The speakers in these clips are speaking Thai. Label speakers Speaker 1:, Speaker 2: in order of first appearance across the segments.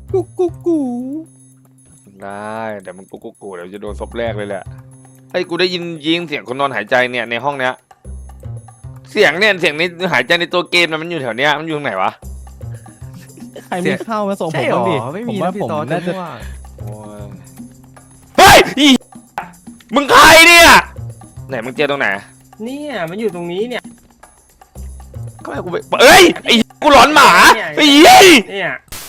Speaker 1: กุ๊กกุ๊กกู
Speaker 2: ได้เดี๋ยวมึงกูเดี๋ยวจะโดนซบแรกเลยแหละไอ้กูได้ยินเสียงคนนอนหายใจเนี่ยในห้องเนี้ยเสียงนี้หายใจในตัวเกมนะมันอยู่แถวเนี้ยมันอยู่ตรงไหนวะ
Speaker 1: ใครมีข้าวมาส่งผมบ้างดิผมว่าผมน่าจะ
Speaker 2: โอ้ยเฮ้ยอีมึงใครเนี่ยไหนมึงเจอตรงไหน
Speaker 3: เนี่ยมันอยู่ตรงนี้เนี่ย
Speaker 2: ก็ให้กูไปเอ้ยไอ้กูหลอนหมาไอ้
Speaker 3: เนี่ย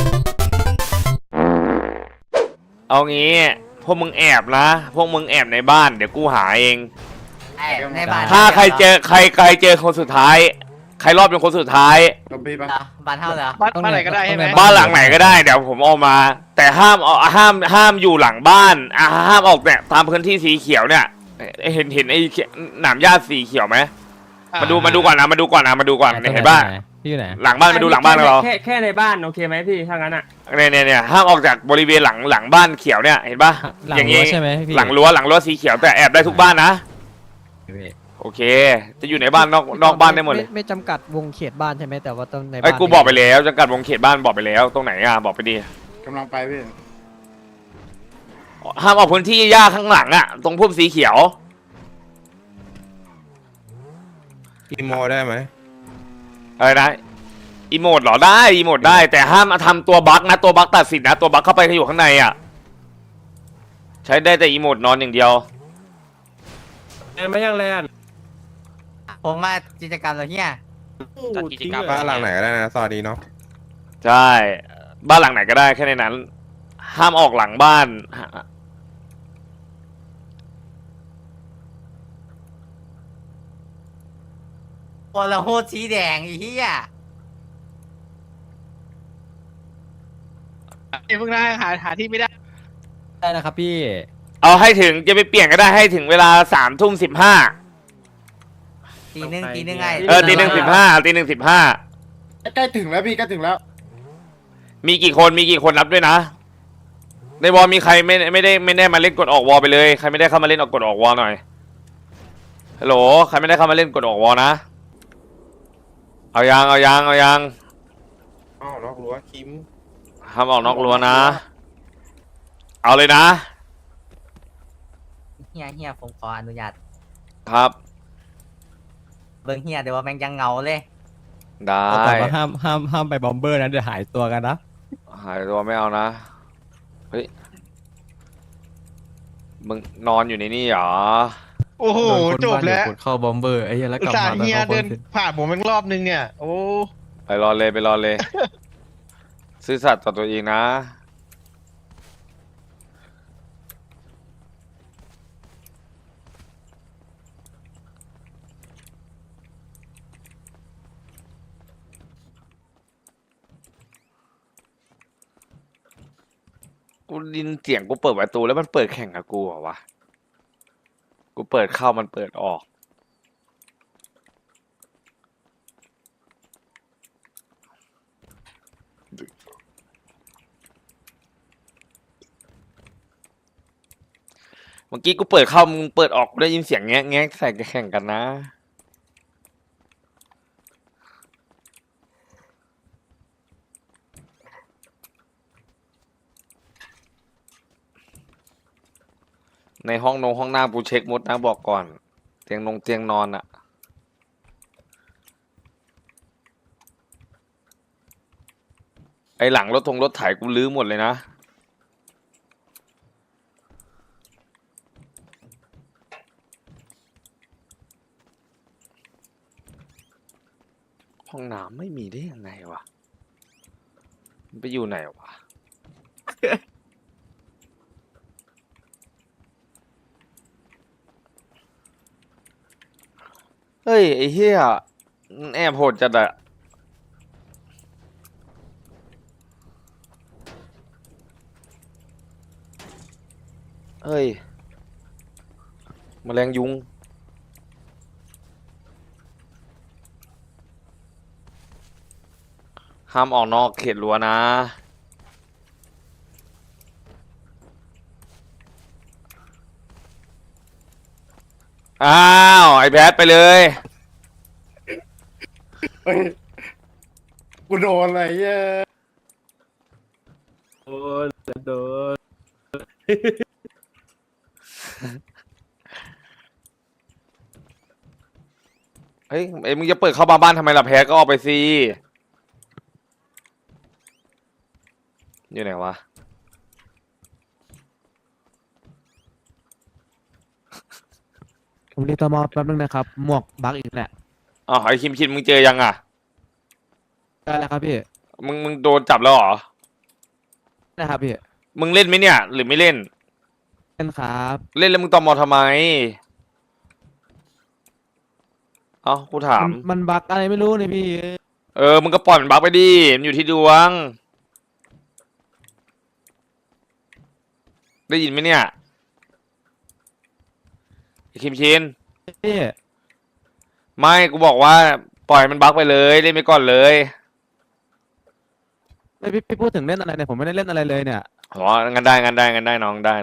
Speaker 2: เอางี้พวกมึงแอบนะพวกมึงแอบในบ้านเดี๋ยวกูหาเอง
Speaker 4: ในบ้าน
Speaker 2: ถ้าใครเจอคนสุดท้ายใครรอดเป็นคนสุดท้าย
Speaker 4: บ้านเท่าเหรอ
Speaker 5: บ้านไหนก็ได้ใช่ไหม
Speaker 2: บ้านหลังไหนก็ได้เดี๋ยวผมเอามา แต่ห้ามอยู่หลังบ้านห้ามออกเนี่ยตามพื้นที่สีเขียวเนี่ยเห็นไอ้หนามหญ้าสีเขียวไหมมาดูก่อนเห็นป่ะ
Speaker 1: พี่อยู่ไหน
Speaker 2: หลังบ้านมาดูหลังบ้านเรา
Speaker 3: แค่ในบ้านโอเคไหมพี่ถ้างั้นอ่ะ
Speaker 2: เนี่ยห้ามออกจากบริเวณหลังบ้านเขียวเนี่ยเห็นป่ะ
Speaker 1: หลัง
Speaker 2: อย่าง
Speaker 1: รั้
Speaker 2: งี้
Speaker 1: วใช่ไหมพี่
Speaker 2: หลังรั้วสีเขียวแต่แอบได้ทุกบ้านนะโอเค จะอยู่ในบ้านนอกบ้านได้หมดเลย
Speaker 6: ไม่จำกัดวงเขตบ้านใช่ไหมแต่ว่าต้องในบ้าน
Speaker 2: ไอ้กูบอกไปแล้วจำกัดวงเขตบ้านบอกไปแล้วตรงไหนอ่ะบอกไปดิ
Speaker 7: กำลังไปพี่
Speaker 2: ห้ามออกพื้นที่หญ้าข้างหลังอ่ะตรงพุ่มสีเขียว
Speaker 8: อีโมได้ไหม
Speaker 2: อะไรนะอีโมดเหรอได้อีโมดได้แต่ห้ามทำตัวบั๊กนะตัวบั๊กตัดสินนะตัวบั๊กเข้าไปอยู่ข้างในอ่ะใช้ได้แต่อีโมดนอนอย่างเดียว
Speaker 3: ไม่ยังแลน
Speaker 4: ผมมากิจกรรมเราเนี่ย
Speaker 5: จัดกิจกรรม
Speaker 8: บ้านหลังไหนก็ได้นะสวัสดีเนาะ
Speaker 2: ใช่บ้านหลังไหนก็ได้แค่ในนั้น ห้ามออกหลังบ้าน
Speaker 4: โอ้ละโหดสีแดงอีเหี้ย
Speaker 5: เพิ่งได้หาที่ไม่ได้
Speaker 1: ได้นะครับพี่
Speaker 2: เอาให้ถึงจะไปเปลี่ยนก็ได้ให้ถึงเวลา3:15
Speaker 4: ตีหนึ่งไง
Speaker 2: ตี 1:15
Speaker 7: ใกล้ถึงแล้วพี่ใกล้ถึงแล้ว
Speaker 2: มีกี่คนนับด้วยนะในวอลมีใครไม่ได้มาเล่นกดออกวอลไปเลยใครไม่ได้เข้ามาเล่นกดออกวอลหน่อยฮัลโหลใครไม่ได้เข้ามาเล่นกดออกวอลนะเอายัง
Speaker 8: อ้าวนอกรั้วคิม
Speaker 2: ห้ามออกนอกรั้วนะเอาเลยนะ
Speaker 4: เฮียผมขออนุญาต
Speaker 2: ครับ
Speaker 4: เบิ่งเฮียเดี๋ยวว่าแม่งยังเงาเลย
Speaker 2: ได้
Speaker 1: แต่ว่าห้ามไปบอมเบอร์นะเดี๋ยวหายตัวกันนะ
Speaker 2: หายตัวไม่เอานะเฮ้ยมึงนอนอยู่ในนี่เหรอ
Speaker 5: โอ้โหจบแล้ว
Speaker 1: เข้าบอมเบอร์ไอ้เหี้ยแล้วกลับ
Speaker 5: อุตส่า
Speaker 1: มา
Speaker 5: ห์เฮียเดินผ่านผมเป็นรอบนึงเนี่ย โอ้
Speaker 2: ไปรอเลย ซื่อสัตย์ต่อตัวเองนะกูดินเสียงกูเปิดประตูแล้วมันเปิดแข่งกับกูเหรอวะกูเปิดเข้ามันเปิดออกเมื่อกี้กูเปิดเข้ามึงเปิดออกกูได้ยินเสียงแงะใส่แข่งกันนะในห้องน้ำกูเช็คหมดนะบอกก่อนเตียงนอนอะไอหลังรถไถกูลื้อหมดเลยนะห้องน้ำไม่มีได้ยังไงวะมันไปอยู่ไหนวะ เฮ้ยไอ้เหี้ยแอบโหดจัดอะเฮ้ยแมลงยุงห้ามออกนอกเขตรั้วนะอ้าวไอ้แพทไปเลย
Speaker 7: เฮ้ยกูโดนอะไรเย้ย
Speaker 3: โดน
Speaker 2: เฮ้ยมึงจะเปิดเข้ามาบ้านทำไมล่ะแพ้ก็ออกไปสิอยู่ไหนวะ
Speaker 1: ผมเรียกตมแป๊บนึงนะครับหมวกบักอีกแหละ
Speaker 2: อ๋อไอ้คิมมึงเจอยังอ่ะ
Speaker 1: ได้แล้วครับพี่
Speaker 2: มึงโดนจับแล้วเหรอ
Speaker 1: ได้ครับพี่
Speaker 2: มึงเล่นไหมเนี่ย หรือไม่เล่น
Speaker 1: เล่นครับ
Speaker 2: เล่นแล้วมึงตมทำไมเอ้ากูถาม
Speaker 1: มันบักอะไรไม่รู้เนี่ยพี่
Speaker 2: มึงก็ปล่อยมันบักไปดิมันอยู่ที่ดวง ได้ยินไหมเนี่ยไอ้คิมชิน
Speaker 1: พี่
Speaker 2: ไม่กูบอกว่าปล่อยมันบักไปเลยเล่นไปก่อนเลย
Speaker 1: ไม่พี่พูดถึงเล่นอะไรเนี่ยผมไม่ได้เล่นอะไรเลยเนี่ย
Speaker 2: อ๋องั้นได้น้องได้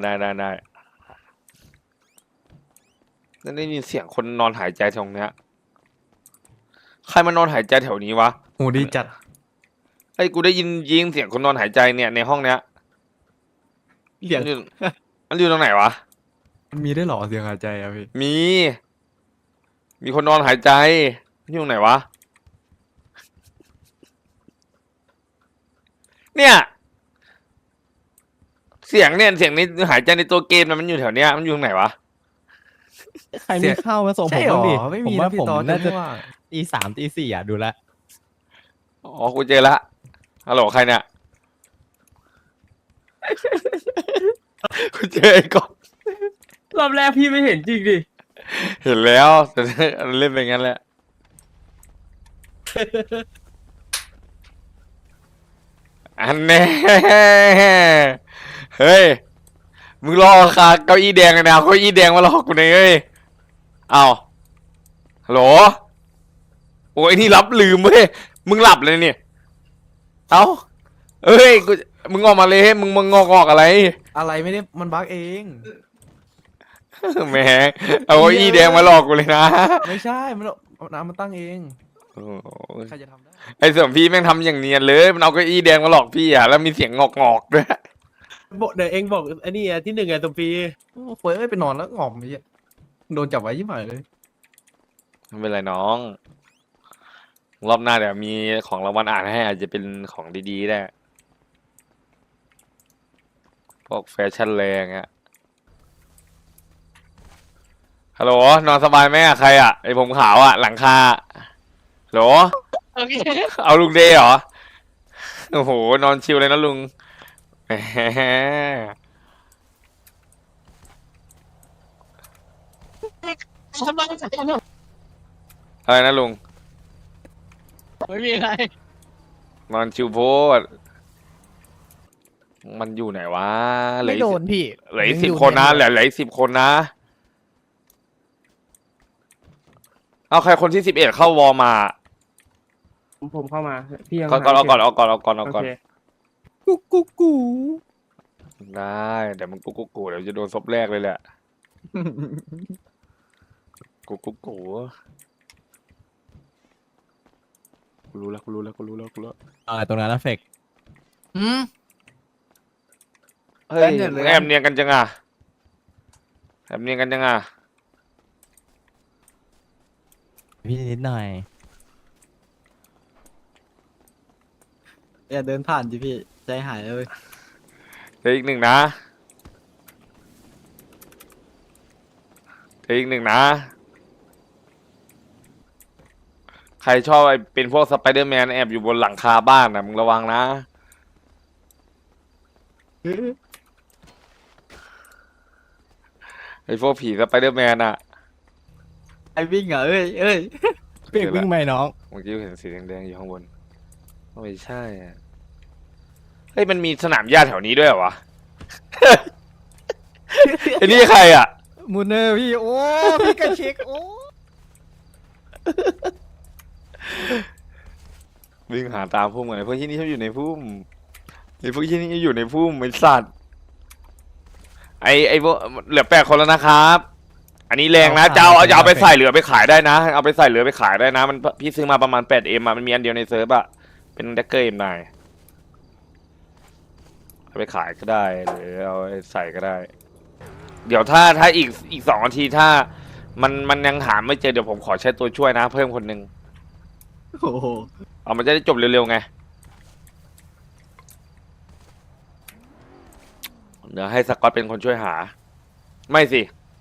Speaker 2: นั่นได้ยินเสียงคนนอนหายใจแถวเนี้ยใครมานอนหายใจแถวนี้วะ
Speaker 9: หูดีจัด
Speaker 2: ไอ้ยกูได้ยินเสียงคนนอนหายใจเนี่ยในห้องเนี้ย
Speaker 9: เหลียง
Speaker 2: มันอยู่ตรงไหนวะ
Speaker 9: มันมีได้วยเหรอเสียงหายใจอะพี่
Speaker 2: มีคนนอนหายใจมันอยู่ตรงไหนวะ เนี่ย เสียงนี้หายใจในตัวเกมนะมันอยู่แถวเนี้ยมันอยู่ตรงไหนวะ
Speaker 1: ใครมีข้าวมาส่งผมบ้างดิ
Speaker 9: ไม่
Speaker 1: ผ
Speaker 9: มี
Speaker 1: ม
Speaker 9: นะ
Speaker 1: ว่า
Speaker 9: พี่
Speaker 1: ผม
Speaker 9: ตอน
Speaker 1: น่าจะ
Speaker 9: ว่า
Speaker 1: ตีสามตีสี่อ่ะดูแลว
Speaker 2: อ๋อกูเจอละฮัลโหลใครเนี่ย กูเจอไอ้ก๊อฟ
Speaker 3: รอบแรกพี่ไม่เห็นจริงดิ
Speaker 2: เห็นแล้วแต่เล่นไปงั้นแหละ อันแน่เฮ้ย มึงรอคาเก้าอี้แดงเลยนะเก้าอี้แดงมาหลอกกูเลยเฮ้ยเอาฮัลโหลโอ้ยนี่รับลืมเว้ยมึงหลับเลยเนี่ยเอาเอ้ยกูมึงออกมาเลยมึงงอกอะไร
Speaker 9: อะไรไม่ได้มันบั๊กเอง
Speaker 2: แหมเอาเก้าอี้แดงมาหลอกกูเลยนะ
Speaker 9: ไม่ใช่มันเอาน้ำมันตั้งเอง
Speaker 2: โอ้โห
Speaker 9: ใครจะทำได้
Speaker 2: ไอ้เสริมพี่แม่งทำอย่างเนียนเลยมันเอาเก้าอี้แดงมาหลอกพี่อ่ะแล้วมีเสียงงอกด้วย
Speaker 3: บอกเดี๋ยวเองบอกไอ้นี่ที่หนึ่งไงสมปี
Speaker 9: โอ้เฟ้ยไปนอนแล้วงอมไอ้เหี้ยโดนจับไว้ยิ่งใหญ่เลย
Speaker 2: ไม่เป็นไรน้อง รอบหน้าเดี๋ยวมีของรางวัลอ่านให้อาจจะเป็นของดีๆได้พวกแฟชั่นแรงอะฮัลโหลนอนสบายไหมอะใครอะไอผมขาวอะหลังคาฮัลโหล
Speaker 5: โอเค
Speaker 2: เอาลุงเดย์เหรอโอ้โหนอนชิลเลยนะลุงแหมอะไรนะลุง
Speaker 5: ไม่มีอะไร
Speaker 2: นอนชิวโพดมันอยู่ไหนวะเหลื
Speaker 6: ไม่
Speaker 2: ออี
Speaker 6: โด
Speaker 2: ก
Speaker 6: นพี่
Speaker 2: เหลืออีก10 คนนะเหลืออีก10 คนนะ เอาใครคนที่11เข้าวอลมา
Speaker 3: ผมเข้ามาพี่ยัง
Speaker 2: ก่อนเอาก่อน
Speaker 3: โอเค
Speaker 1: กู
Speaker 2: ได้เดี๋ยวมึงกูเดี๋ยวจะโดนซบแรกเลยแหละกูรู้แล้ว
Speaker 1: อะไรตรงนั้นนะเฟก
Speaker 2: เฮ้ยมึงแอบเนียนกันจังอ่ะแอบเนียนกันจังอ่ะ
Speaker 1: พี่นิดหน่อย
Speaker 6: อย่าเดินผ่านจิพี่ใจหายเลย
Speaker 2: เดี๋ยวอีกหนึ่งนะใครชอบไอ้เป็นพวกสไปเดอร์แมนแอบอยู่บนหลังคาบ้านนะมึงระวังนะไอ้พวกผีสไปเดอร์แมนอะ
Speaker 6: ไอวิ่งอ่ะเอ้ย
Speaker 1: เฟกวิ่งไหมน้อง
Speaker 2: เมื่อกี้เห็นสีแดงๆอยู่ข้างบนไม่ใช่อะเฮ้ยมันมีสนามหญ้าแถวนี้ด้วยเหรอวะ ไอ้นี่ใครอ่ะ
Speaker 6: มูเนอร์พี่โอ้พี่กระเช็คโอ้
Speaker 2: วิ่งหาตามพุ่มไงพวกที่นี่ชอบอยู่ในพุ่มไอ้พวกที่นี่อยู่ในพุ่มไอ้สัตว์ไอ้พวกเหลือ8 คนแล้วนะครับ อันนี้แรงนะจะเอาไปใส่เหลือไปขายได้นะเอาไปใส่เหลือไปขายได้นะมันพี่ซื้อมาประมาณ8M อ่ะมันมีอันเดียวในเซิร์ฟอ่ะเป็นแดกเกอร์M9 เอาไปขายก็ได้หรือเอาไปใส่ก็ได้ เดี๋ยวถ้าอีก2 นาทีถ้ามันยังหาไม่เจอเดี๋ยวผมขอใช้ตัวช่วยนะ เพิ่มคนหนึ่ง
Speaker 6: โอ้โห
Speaker 2: เอามันจะได้จบเร็วๆไงเดี๋ยวให้สกอตเป็นคนช่วยหา ไม่สิ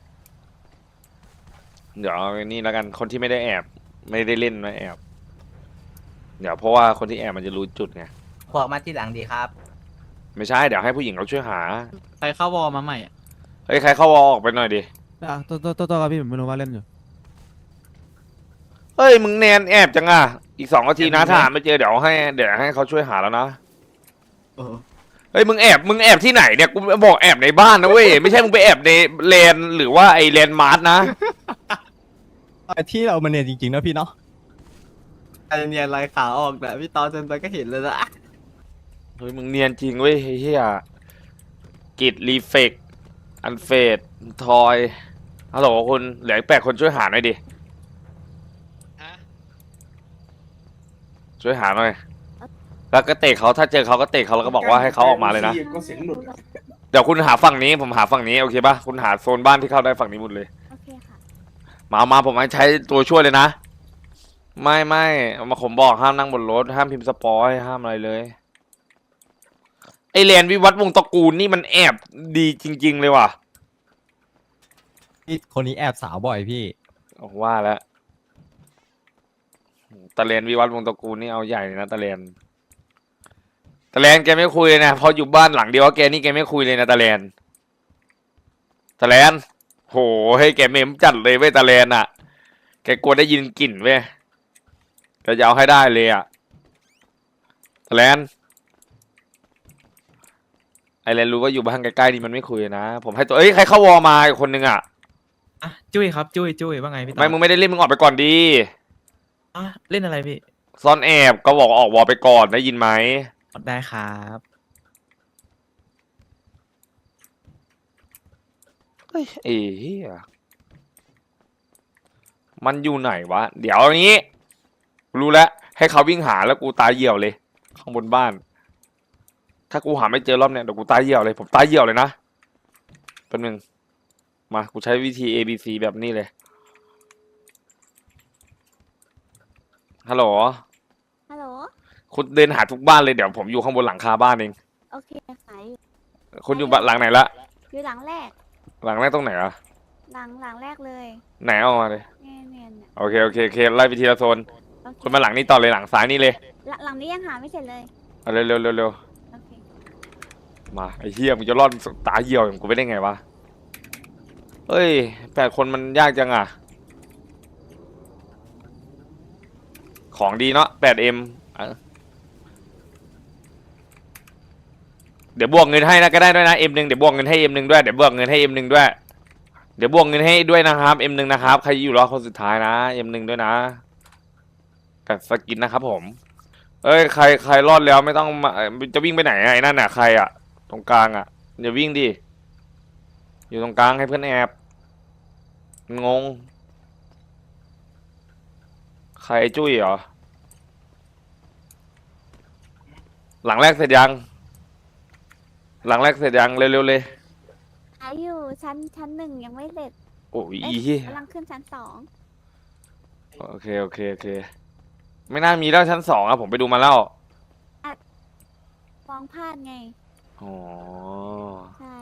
Speaker 2: เดี๋ยวเอานี่แล้วกันคนที่ไม่ได้แอบ ไม่ได้เล่นไม่แอบ เดี๋ยวเพราะว่าคนที่แอบมันจะรู้จุดไง
Speaker 4: พวกมาที่หลังดีครับ
Speaker 2: ไม่ใช่เดี๋ยวให้ผู้หญิงเขาช่วยหา
Speaker 6: ใครเข้าวอลมาใหม่อะ
Speaker 2: เฮ้ยใครเข้าวอลออกไปหน่อยดิ
Speaker 1: ตัวครับพี่ผมไม่รู้ว่าเล่นอยู่
Speaker 2: เฮ้ยมึงแนนแอบจังอ่ะอีก2 นาทีนะถ้าหาไม่เจอเดี๋ยวให้เขาช่วยหาแล้วนะ
Speaker 6: โอ้โห
Speaker 2: เฮ้ยมึงแอบที่ไหนเนี่ยกูบอกแอบในบ้านนะเว้ยไม่ใช่มึงไปแอบในแลนหรือว่าไอแลนมาร์ทนะ
Speaker 1: ที่เรามาเนี่ยจริงๆนะพี่เนาะ
Speaker 6: ไอเนียนลายขาออกแต่พี่ตอนเซนไปก็เห็นเลยนะ
Speaker 2: เฮ้ยมึงเนียนจริงเว้ยเฮียกิดรีเฟกอันเฟดทอยฮัลโหลคุณเหลืออีก8 คนช่วยหาหน่อยดิ
Speaker 5: ฮะ
Speaker 2: ช่วยหาหน่อยแล้วก็เตะเขาถ้าเจอเขาก็เตะเขาแล้วก็บอกว่าให้เขาออกมาเลยนะ
Speaker 7: ก็เสียงหลุดอะ
Speaker 2: เดี๋ยวคุณหาฝั่งนี้ผมหาฝั่งนี้โอเคป่ะคุณหาโซนบ้านที่เข้าได้ฝั่งนี้หมดเลย
Speaker 10: โอเคค่ะ
Speaker 2: มาผมให้ใช้ตัวช่วยเลยนะ ไม่เอามาผมบอกห้ามนั่งบนรถห้ามพิมพ์สปอยห้ามอะไรเลยไอแลนด์วิวัฒน์วงศ์ตระกูลนี่มันแอบดีจริง ๆ เลยว่ะ
Speaker 1: พี่คนนี้แอบสาวบ่อยพี่
Speaker 2: ว่าแล้วตะแลนด์วิวัฒน์วงศ์ตระกูลนี่เอาใหญ่เลยนะตะแลนด์แกไม่คุยเลยนะพออยู่บ้านหลังเดียวกับแกนี่แกไม่คุยเลยนะตะแลนด์โหให้แกเมมจัดเลยเว้ยตะแลนด์อ่ะแกกลัวได้ยินกลิ่นเว้ยแกจะเอาให้ได้เลยอ่ะตะแลนด์ไอแลนด์รู้ว่าอยู่บ้านใกล้ๆนี่มันไม่คุยนะผมให้ตัวใครเข้าวอลมาอีกคนนึงอ่ะ
Speaker 11: อ่ะจุ้ยครับจุ้ยว่าไงพี่ต๋อ
Speaker 2: ไม่มึงไม่ได้เล่นมึงออกไปก่อนดี
Speaker 11: อ่ะเล่นอะไรพี่
Speaker 2: ซ่อนแอบก็บอกออกวอลไปก่อนได้ยินไหม
Speaker 11: ได้ครับ
Speaker 2: เฮ้ยเหี้ยมันอยู่ไหนวะเดี๋ยวอย่างนี้รู้แล้วให้เขาวิ่งหาแล้วกูตายเหี่ยวเลยข้างบนบ้าน ถ้ากูหาไม่เจอรอบเนี้ยเดี๋ยวกูตายเหี่ยวเลยผมตายเหี่ยวเลยนะแป๊บนึงมากูใช้วิธี A B C แบบนี้เลยฮัลโหล
Speaker 10: ฮัลโหล
Speaker 2: คุณเดินหาทุกบ้านเลยเดี๋ยวผมอยู่ข้างบนหลังคาบ้านเอง
Speaker 10: โอเคขายอยู่
Speaker 2: คุณอยู่บ้านหลังไหนละ
Speaker 10: อยู่หลังแรก
Speaker 2: หลังแรกตรงไหนอะ
Speaker 10: หลังแรกเลย
Speaker 2: ไหนเอามาเลย
Speaker 10: เนี่ยเนี่ย
Speaker 2: โอเคไล่ไปทีละโซน
Speaker 10: โอเค
Speaker 2: คุณมาหลังนี้ต่อเลยหลังซ้ายนี่เลย
Speaker 10: หลังนี้ยังหาไม่เสร็จเลย
Speaker 2: เอาเร็ว
Speaker 10: โอเค
Speaker 2: มาไอ้เหี้ยมึงจะรอดตาเหี่ยวอย่างกูไม่ได้ไงวะเอ้ย8 คนมันยากจังอ่ะของดีเนาะ 8M เดี๋ยวบวกเงินให้นะก็ได้ด้วยนะ M1 เดี๋ยวบวกเงินให้ M1 ด้วยเดี๋ยวบวกเงินให้ M1 ด้วยเดี๋ยวบวกเงินให้ด้วยนะครับ M1 นะครับใครอยู่รอบคนสุดท้ายนะ M1 ด้วยนะกับสกินนะครับผมเอ้ยใครรอดแล้วไม่ต้องมาจะวิ่งไปไหนอะไอ้นั่นน่ะใครอะตรงกลางอะอย่าวิ่งดิอยู่ตรงกลางให้เพื่อนแอบงงใครไอ้จุ้ยเหรอหลังแรกเสร็จยังเร็วเลย
Speaker 10: ขายอยู่ชั้นหนึ่งยังไม่เสร็จ
Speaker 2: โอ้ย
Speaker 10: เอ๊ะ
Speaker 2: อีเหี้ย
Speaker 10: กำลังขึ้นชั้น2
Speaker 2: โอเคไม่น่ามีแล้วชั้น2อะผมไปดูมาแล้ว
Speaker 10: มองพลาดไง
Speaker 2: อ๋อ
Speaker 10: ใช่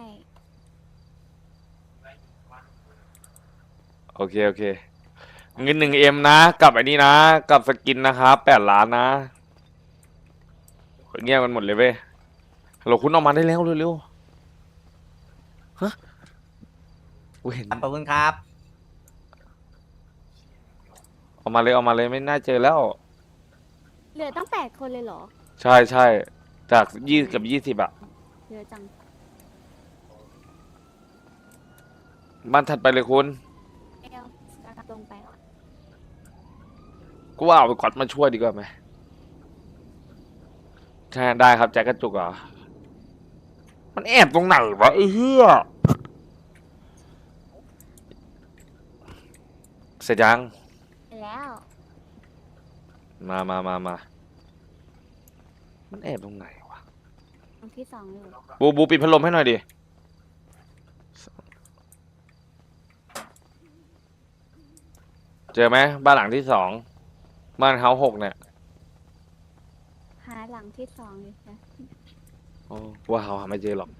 Speaker 2: โอเคเงิน1Mนะกับไอ้นี่นะกับสกินนะครับ8 ล้านนะเงียบกันหมดเลยเว้ยฮัลโหลคุณออกมาได้แล้วเร็วๆฮะกูเห็น
Speaker 4: ขอบคุณครับ
Speaker 2: ออกมาเลยไม่น่าเจอแล้ว
Speaker 10: เหลือตั้ง8 คนเลยเหรอ
Speaker 2: ใช่จาก20 กับ 20อะ
Speaker 10: เหลือจัง
Speaker 2: บ้านถัดไปเลยคุณ
Speaker 10: เอลตรงไป
Speaker 2: กูว่าเอาไปกอดมาช่วยดีกว่าไหมใช่ได้ครับแจ็คกระจุกเหรอมันแอบตรงไหนวะไอ้เหี้ยเสร็จยัง
Speaker 10: ไปแล้ว
Speaker 2: มามันแอบตรงไหนวะ
Speaker 10: ลังที่สองอยู่
Speaker 2: บูปิดพัดลมให้หน่อยดิเจอไหมบ้านหลังที่สองบ้านเฮา6เนี่ย
Speaker 10: หาหลังที่สองอยู่นะ
Speaker 2: โอ้ว่าเฮาหาไม่เจอหรอก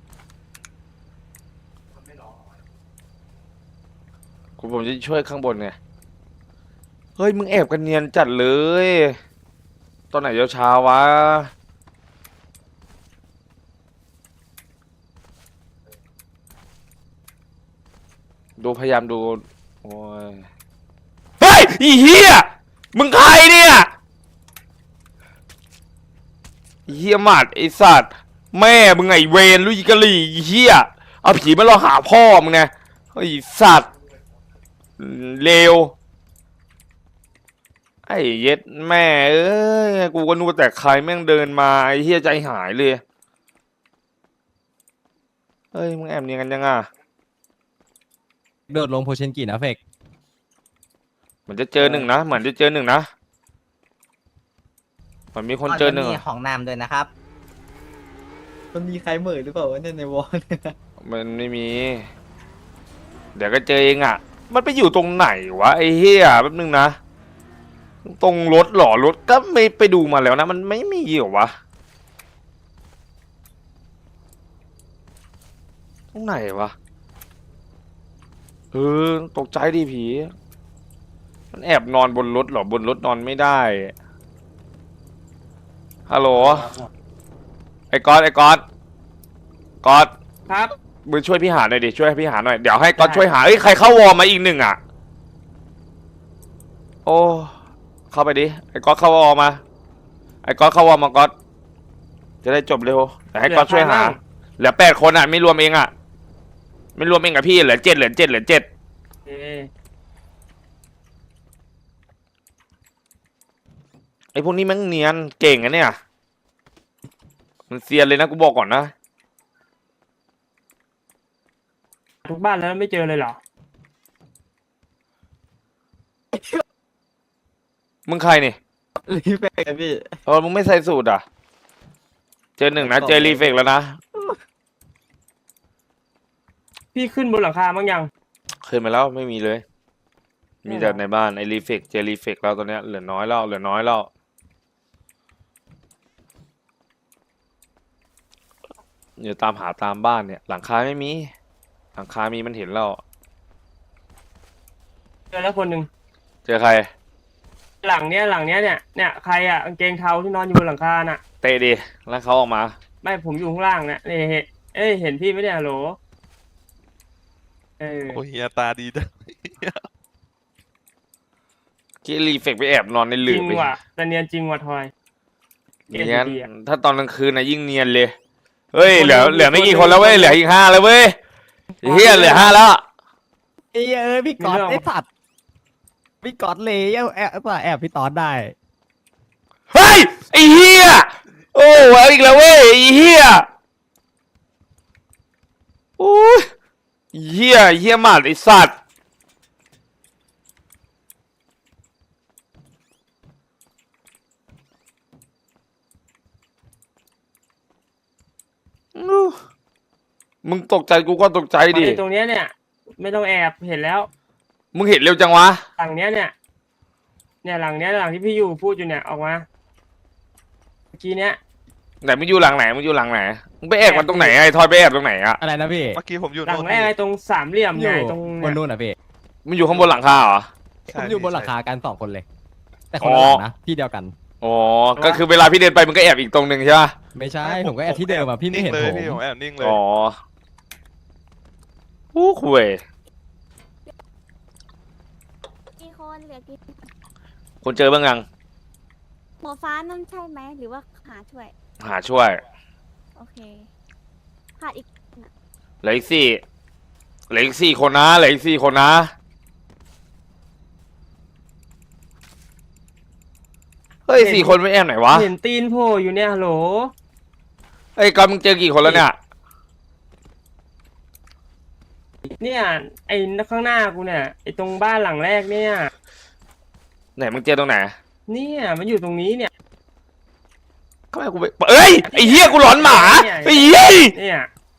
Speaker 2: ผมจะช่วยข้างบนไงเฮ้ยมึงแอบกันเนียนจัดเลยตอนไหนเช้าวะดูพยายามดูโอ้ยเฮ้ยอีเหี้ยมึงใครเนี่ยอีเหี้ยหมัดไอสัตว์แม่มึงไงเวรลุยกะลี่อีเหี้ยเอาผีมาหลอกหาพ่อมึงไงไอสัตว์เลวไอ้เย็ดแม่เอ้ยกูก็นึกว่าแต่ใครแม่งเดินมาไอ้เหี้ยใจหายเลยเฮ้ยมึงแอบเนียนกันยังอ่ะ
Speaker 1: โดดลงโพเชนกินะเฟก
Speaker 2: เหมือนจะเจอหนึ่งนะเหมือนจะเจอหนึ่งนะเหมือนมีคนเจอหนึ่ง
Speaker 4: มี
Speaker 2: อะ
Speaker 4: ของน้ำด้วยนะครับ
Speaker 6: มันมีใครเหม่อหรือเปล่าวะเนี่ยในวอลเนี่ย
Speaker 2: มันไม่มี เดี๋ยวก็เจอเองอ่ะ มันไปอยู่ตรงไหนวะไอ้เหี้ยแป๊บนึงนะตรงรถหรอรถก็ไม่ไปดูมาแล้วนะมันไม่มีเหรอวะตรงไหนวะตกใจดิผีมันแอบนอนบนรถเหรอบนรถนอนไม่ได้ฮัลโหลไอ้ก๊อต
Speaker 3: ครับ
Speaker 2: มึงช่วยพี่หาหน่อยดิช่วยพี่หาหน่อยเดี๋ยวให้ก๊อตช่วยหาเอ้ยใครเข้าวอร์มาอีกหนึ่งอ่ะโอ้เข้าไปดิไอ้ก๊อตเข้าวอร์มาไอ้ก๊อตเข้าวอร์มาก๊อตจะได้จบเร็วแต่ให้ก๊อตช่วยหาเหลือ8 คนอ่ะไม่รวมเองอ่ะไม่รวมเองกับพี่เหลือ7ไอ้พวกนี้มันเนียนเก่งอะเนี่ยมันเซียนเลยนะกูบอกก่อนนะ
Speaker 3: ทุกบ้านแล้วไม่เจอเลยเหรอ
Speaker 2: มึงใครนี่
Speaker 6: รีเฟกอะพี่
Speaker 2: มึงไม่ใส่สูตรอ่ะเจอหนึ่งนะเจอรีเฟกแล้วนะ
Speaker 3: พี่ขึ้นบนหลังคาบ้างยัง
Speaker 2: ขึ้นมาแล้วไม่มีเลย มีแต่ในบ้านไอ้รีเฟกเจอรีเฟกแล้วตอนเนี้ยเหลือน้อยแล้วเดี๋ยวตามหาตามบ้านเนี่ยหลังคาไม่มีหลังคามีมันเห็นแล้ว
Speaker 3: เจอแล้วคนหนึ่ง
Speaker 2: เจอใคร
Speaker 3: หลังเนี้ยเนี่ยใครอ่ะกางเกงเทาที่นอนอยู่บนหลังคาน่ะ
Speaker 2: เตะดิแล้วเขาออกมา
Speaker 3: ไม่ผมอยู่ข้างล่างเนี่ยนี่เห็นพี่ไหมเนี่ยฮัลโหล
Speaker 5: โอ้เฮียตาดีจัง
Speaker 2: ที่รีเฟกไปแอบนอนในห
Speaker 3: จ
Speaker 2: ลื
Speaker 3: ริ
Speaker 2: บ
Speaker 3: ง
Speaker 2: ไป
Speaker 3: ว่ะแต่เนียนจริงว่ะทอย
Speaker 2: เนียนถ้าตอนกลางคืนนะยิ่งเนียนเลยเฮ้ยเหลือไม่กี่คนแล้วเว้ยเหลืออีก5แล้วเว้ยเฮียเหลือ5แล้ว
Speaker 1: เอ้ยพี่ก๊อตไอ้สัตว์พี่ก๊อตเลยแอบพี่ตอดได้
Speaker 2: เฮ้ยไอ้เฮียโอ้เอาอีกแล้วเว้ยไอ้เฮียโอ้ยเฮียหมาดไอ้สัตว์มึงตกใจกูก็ตกใจดิ
Speaker 3: ตรงเนี้ยเนี่ยไม่ต้องแอบเห็นแล้ว
Speaker 2: มึงเห็นเร็วจังวะ
Speaker 3: หลังเนี้ยเนี่ยหลังเนี้ยหลังที่พี่อยู่พูดอยู่เนี่ยออกมาเมื่อกี้เนี้ย
Speaker 2: ไหนมึงอยู่หลังไหนมึงไปแอบกันตรงไหนไอ้ทอยไปแอบตรงไหนอะ
Speaker 1: อะไรนะพี่
Speaker 5: เมื่อกี้ผมอยู่
Speaker 3: หลัง
Speaker 5: โน่น
Speaker 3: แรกไอ้ตรงสามเหลี่ยม
Speaker 1: อ
Speaker 3: ใหญ่
Speaker 1: ยู่
Speaker 3: ตรง
Speaker 1: บน
Speaker 3: เนี่ย
Speaker 1: นู่นอ่ะพี่
Speaker 2: มึงอยู่ข้างบนหลังคาเหรอ
Speaker 1: ผมอยู่บนหลังคากัน2 คนเลย แต่คนละหลังนะที่เดียวกัน
Speaker 2: อ๋อก็คือเวลาพี่เดินไปมึงก็แอบอีกตรงหนึ่งใช่ปะ
Speaker 1: ไม่ใช่ผมก็แอบที่เดิมอ่ะพี่ไม่เห็น
Speaker 5: เลย
Speaker 1: ผม
Speaker 5: พี่ผมแอบนิ่งเลย
Speaker 2: อ๋ออู้คุย
Speaker 10: กี่คนเหลือกี่
Speaker 2: คุณเจอบ้างยัง
Speaker 10: หมอฟ้านั่นใช่ไหมหรือว่าหาช่วย
Speaker 2: หาช่วย
Speaker 10: โอเคขาดอีก
Speaker 2: เหลืออีกสี่คนนะเหลืออีก4 คนนะเฮ้ย4 คนไม่แอบไหนวะ
Speaker 3: เห็นตีนโผล่อยู่เนี่ยฮัลโหล
Speaker 2: เฮ้ยกอนมึงเจอกี่คนแล้วเนี่ย
Speaker 3: เนี่ยไอ้ข้างหน้ากูเนี่ยไอ้ตรงบ้านหลังแรกเนี่ย
Speaker 2: ไหนมึงเจอตรงไหน
Speaker 3: เนี่ยมันอยู่ตรงนี้เนี่ย
Speaker 2: ก็ไม่กูไปเอ้ยไอ้เหี้ยกูหลอนหมาไอ้เหี้ย
Speaker 3: เนี่ย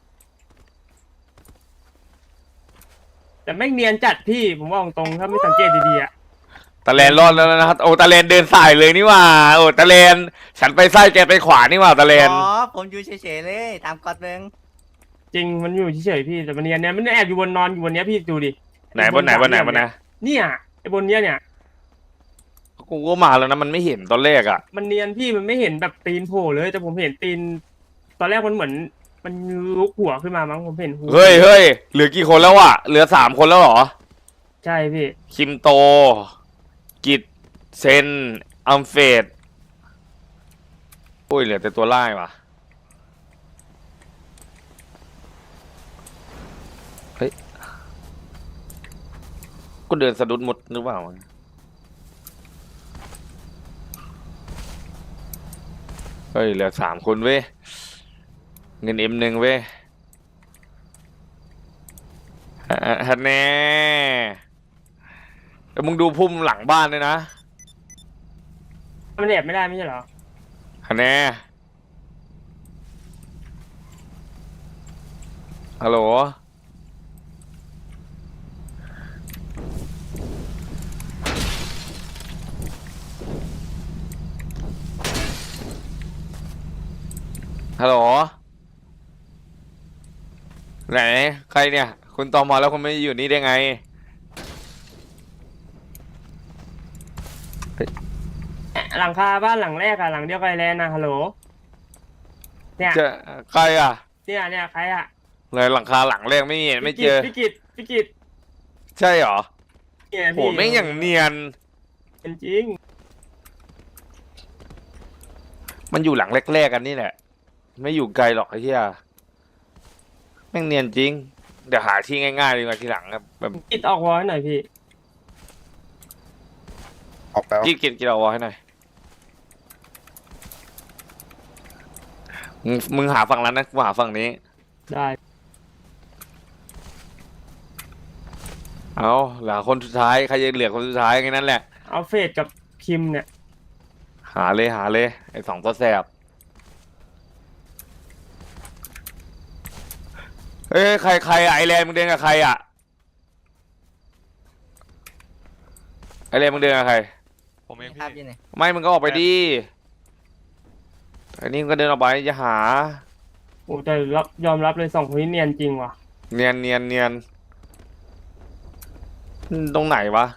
Speaker 3: แต่แม่งเนียนจัดพี่ผมว่าตรงๆถ้าไม่สังเกตดีๆอ่ะ
Speaker 2: ตะแลนรอดแล้วนะครับโอ้ตะแลนเดินสายเลยนี่หว่าโอ้ตะแลนฉันไปซ้ายแกไปขวานี่หว่าตะแลน
Speaker 4: อ๋อผมอยู่เฉยๆเลยตามกฎเมือง
Speaker 3: จริงมันอยู่เฉยๆพี่แต่มันเนียนเนี่ยมันแอบอยู่บนนอนอยู่บนเนี้ยพี่ดูดิ
Speaker 2: ไหนบนไหนบนไหนบนไหน
Speaker 3: เนี่ยไอ้บนเนี้ยเนี่ย
Speaker 2: กูก็มาแล้วนะมันไม่เห็นตอนแรกอ่ะ
Speaker 3: มันเนียนพี่มันไม่เห็นแบบตีนโผล่เลยแต่ผมเห็นตีน ตอนแรกมันเหมือนมันลุกหัวขึ้นมามั้งผมเห็นหัว
Speaker 2: เฮ้ยเฮ้ยเหลือกี่คนแล้วอ่ะเหลือ3 คนแล้วเหรอ
Speaker 3: ใช่พี่
Speaker 2: คิมโต กิตเซนอัมเฟดโอ้ยเหลือแต่ตัวไล่ว่ะเฮ้ยกูเดินสะดุดหมดหรือเปล่าเฮ้ยเหลือ3 คนเว้ยเงินM1เว้ยฮันแน่แต่มึงดูพุ่มหลังบ้านด้วยนะ
Speaker 3: มันแอบไม่ได้ไม่ใช่เหรอ
Speaker 2: ฮันแน่ฮัลโหลฮัลโหลไหนใครเนี่ยคุณตอมอแล้วคุณไม่อยู่นี่ได้ไง
Speaker 3: หลังคาบ้านหลังแรกอะหลังเดียวกับไอแลนด์นะฮัลโหลเนี่ย
Speaker 2: เจอใครอ่ะ
Speaker 3: เนี่ยใครอะ
Speaker 2: เลยหลังคาหลังแรกไม่เห็นไม่เจอ
Speaker 3: พี่กิต
Speaker 2: ใช่เหรอ
Speaker 3: เนี่ย
Speaker 2: โห
Speaker 3: พี่
Speaker 2: แม่งอย่างเนียน
Speaker 3: เป็นจริง
Speaker 2: มันอยู่หลังแรกๆกันนี่แหละ ไม่อยู่ไกลหรอกไอ้เหี้ยแม่งเนียนจริง เดี๋ยวหาที่ง่ายๆดีกว่าทีหลังครับแบบ
Speaker 3: กิตออกวอลให้หน่อยพี่
Speaker 8: ออกไปวะ
Speaker 2: กินเอาไว้ให้หน่อยมึงหาฝั่งนั้นนะกูหาฝั่งนี้
Speaker 3: ได้
Speaker 2: เอาเหลือคนสุดท้ายใครจะเหลือคนสุดท้ายแค่นั้นแหละ
Speaker 3: เอาเฟดกับคิมเนี่ย
Speaker 2: หาเลยไอ้2 ตัวแสบเอ้ยใครอะไอแลนด์มึงเดินกับใครอะไอแลนด์มึงเดินกับใคร
Speaker 5: ผมเอง
Speaker 4: ครับ
Speaker 5: พี่
Speaker 4: ยี่นี่
Speaker 2: ไม่มึงก็ออกไปดิอันนี้มึงก็เดินออกไปอย่าหา
Speaker 3: โอ้แต่ยอมรับเลย2 คนนี้เนียนจริงว่ะ
Speaker 2: เนียนตรงไหนวะ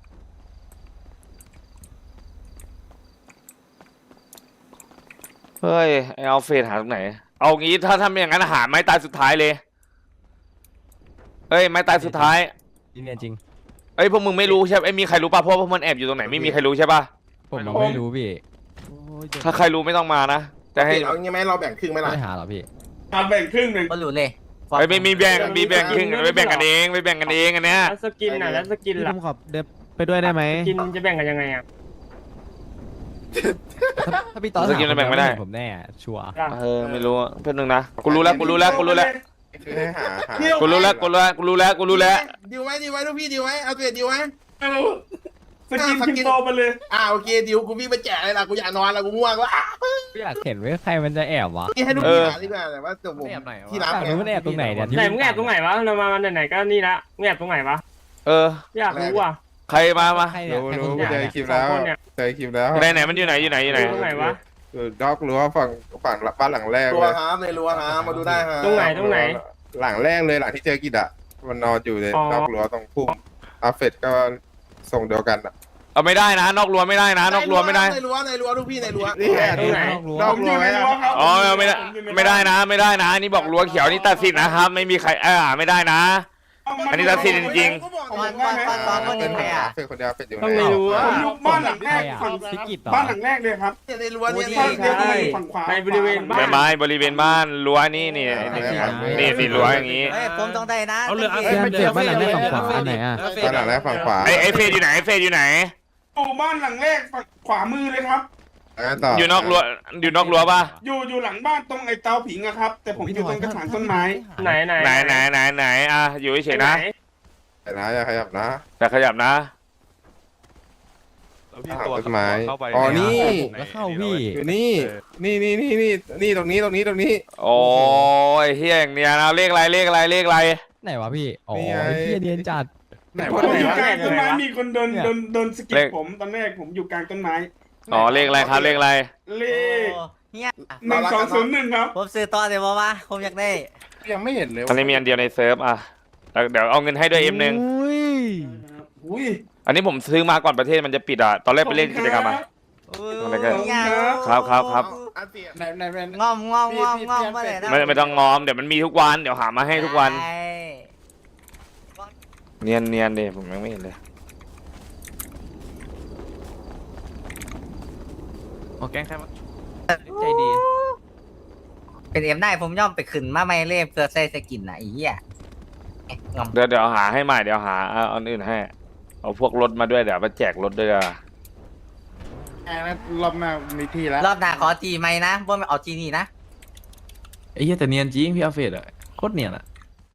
Speaker 2: เฮ้ยไอเอาเฟสหาตรงไหนเอางี้ถ้าทำอย่างนั้นหาไม้ตายสุดท้ายเลยเฮ้ยไม้ตายสุดท้าย
Speaker 1: เนียนจริง
Speaker 2: เอ้ยพวกมึงไม่รู้ใช่ไหมมีใครรู้ป่ะเพราะว่าพวกมันแอบอยู่ตรงไหนไม่มีใครรู้ใช่ป่ะ
Speaker 1: ผมไม่รู้พี่
Speaker 2: ถ้าใครรู้ไม่ต้องมานะจะให้
Speaker 8: เอางี้ไหมเราแบ่งครึ่งไหมล่ะ
Speaker 1: ไม่หาหรอพี่
Speaker 7: แบ่งครึ่งหนึ่ง
Speaker 4: ก็รู้เลย
Speaker 2: เฮ้ยไม่มีแบ่งครึ่งไปแบ่งกันเองอันเนี้ย
Speaker 3: แล้วสกินแล้วสกิน
Speaker 1: พี่
Speaker 3: ล่ะ
Speaker 1: ผมขอเดินไปด้วยได้ไหม
Speaker 3: สกินจะแบ่งกันยังไงอะ
Speaker 1: ถ้าพี่ต่อ
Speaker 2: สกินมันแบ่งไม่ได้
Speaker 1: ผมแน่ชัวร์
Speaker 2: ไม่รู้เพื่อนนึงนะกูรู้แล้ว
Speaker 8: คือให้หา
Speaker 2: กูรู้แล้ว
Speaker 8: ดีลไหมลูกพี่ดีลไหมเอาเสร็จดีลไหม
Speaker 7: สกินคิมโตมาเลย
Speaker 8: โอเคดีลกูวิ่งไปแจกเลยล่ะกูอยากนอนแล้วกูง่วงแล้ว
Speaker 1: พี่อยากเห็นว่าใครมันจะแอบวะ
Speaker 8: นี่ให้ลูกพี่หาดีกว่าแต่ว่าตัวผม
Speaker 9: แอบไหนวะ
Speaker 8: ที่รับ
Speaker 1: อยากรู้มันแอบตรงไหนเนี่ย
Speaker 3: ไหนมึงแอบตรงไหนวะเรามาไหนๆก็นี่ละมึงแอบตรงไหนวะ อยากรู้ว่ะ
Speaker 2: ใครมา
Speaker 1: ใครเนี่ยใครคน
Speaker 3: รู้
Speaker 1: เดียว
Speaker 3: เจอ
Speaker 1: เนี่ย
Speaker 3: คลิปแล้ว
Speaker 8: เจอคลิปแล้ว
Speaker 2: ไหนมันอยู่ไหน
Speaker 3: ตรงไหนวะ
Speaker 8: ดอกรั้วฝั่งบ้านหลังแรกเลยครับในรั้วครับมาดูได้ครับ
Speaker 3: ตรงไหน
Speaker 8: หลังแรกเลยหลังที่เจอกิดอ่ะมันนอนอยู่ใน
Speaker 3: อ๋อ
Speaker 8: ดอกรั้วตรงพุ่มอาเฟตก็ส่งเดียวกันอ่ะ
Speaker 2: เอาไม่ได้นะนอกรั้วไม่ได้นะนอกรั้วไม่ได้
Speaker 8: ในรั้วลูกพี่ในรั้ว
Speaker 3: ตรงไหน
Speaker 8: ดอกรั้วไหมครับ
Speaker 2: อ๋อไม่ได้นะนี่บอกรั้วเขียวนี่ตัดสินนะครับไม่มีใครไม่ได้นะ อันนี้ตัดสินจริง
Speaker 4: ตอนคนเห็นไหมอ่ะ
Speaker 8: เฟตคนเดียวเฟตอยู่
Speaker 3: ต้องไม่รู้อ่ะ
Speaker 7: บ้านหลังแรก
Speaker 1: ใครอะพี่กิตต่อ
Speaker 7: บ้านหลังแรกเลยครับ
Speaker 8: ในรั้วเนี่ย
Speaker 3: ใช่ในบริเวณ
Speaker 2: ๆ
Speaker 3: บ้า
Speaker 2: ใบ
Speaker 3: น
Speaker 2: ไม้บริเวณบ้านรั้วนี่สิรั้วอย่างนี้
Speaker 4: เฮ้ยผมต้องได้นะ
Speaker 11: เอาเหลือ
Speaker 1: เพื่อนเจ็บบ้านหลังแรกฝั่งขวาอันไหนอ่ะ
Speaker 8: บ้านหลังแรกฝั่งขวา
Speaker 2: ไอเฟยอยู่ไหน
Speaker 7: อยู่บ้านหลังแรกฝั่งขวามือเลยครับ
Speaker 8: ต่อ
Speaker 2: อยู่นอกรั้วป่ะ
Speaker 7: อยู่หลังบ้านตรงไอ้เตาผิงอะครับ แต่ผมอยู่ตรงกระถางต้นไม้
Speaker 3: ไหน
Speaker 2: ไหนอยู่เฉยๆนะ
Speaker 8: แต่นะอย่าขยับนะ
Speaker 2: แต่ขยับนะ
Speaker 5: แล้วพี่
Speaker 8: หา
Speaker 5: ตัว
Speaker 8: ต้นไม้
Speaker 5: เข้าไป
Speaker 8: อ๋อนี่
Speaker 1: แล้วเข้าพี่
Speaker 8: อยู่นี่นี่ตรงนี้ตรงนี้
Speaker 2: โอ้ยเฮียอย่างเนี้ยนะเลขอะไรเลขอะไรเลขอะไร
Speaker 1: ไหนวะพี่อ๋อ
Speaker 8: นี่ไง
Speaker 1: ไอ้เฮียเนียนจัด
Speaker 8: ไหน
Speaker 7: ผ
Speaker 8: วะ
Speaker 7: ม
Speaker 8: ไหน
Speaker 7: อยู่
Speaker 8: วะ
Speaker 7: กลางต้นไม้มีคนโดน
Speaker 1: เนี่ย
Speaker 7: โดนสะกิด
Speaker 2: เลข
Speaker 7: ผมตอนแรกผมอยู่กลางต้นไม้
Speaker 2: อ๋อเลขอะไรครับเลขอะไร
Speaker 7: เลข
Speaker 4: โอ้เฮีย
Speaker 7: 1201ครับ
Speaker 4: ผมซื้อต่อเดี๋ยวว่าผมอยากได้
Speaker 8: ยังไม่เห็นเลย
Speaker 2: อันนี้มีอันเดียวในเซิร์ฟอ่ะแล้วเดี๋ยวเอาเงินให้ด้วยM1
Speaker 1: อุ้ย
Speaker 7: อุ้ย
Speaker 2: อันนี้ผมซื้อมาก่อนประเทศมันจะปิดอ่ะตอนแรกไปเล่นกิจกรรมอ่ะ อะไรกัน
Speaker 4: เฮีย
Speaker 2: ครับ
Speaker 4: งอมมาเลยนะ
Speaker 2: ไม่ต้องงอมเดี๋ยวมันมีทุกวันเดี๋ยวหามาให้ทุกวัน
Speaker 4: ใช่
Speaker 2: เนียนดิผมยังไม่เห็นเลย
Speaker 11: โอ้แกล้งใครมาใจดี
Speaker 4: เป็นเอ็มได้ผมย่อมไปขึ้นมาไม่เล่เพื่อใส่สกินนะไอ้เหี้ยงอม
Speaker 2: เดี๋ยวหาให้ใหม่เดี๋ยวหาเอาอันอื่นให้เอาพวกรถมาด้วยเดี๋ยวมาแจกรถด้วยอ่ะ
Speaker 8: รอบหน้ามีที่แล้ว
Speaker 4: รอบหน้าขอจีไหมนะบ่ไม่เอาจีนี่นะ
Speaker 9: ไอ้เหี้ยแต่เนียนจริงพี่อาเฟดอะโคตรเนียนอะ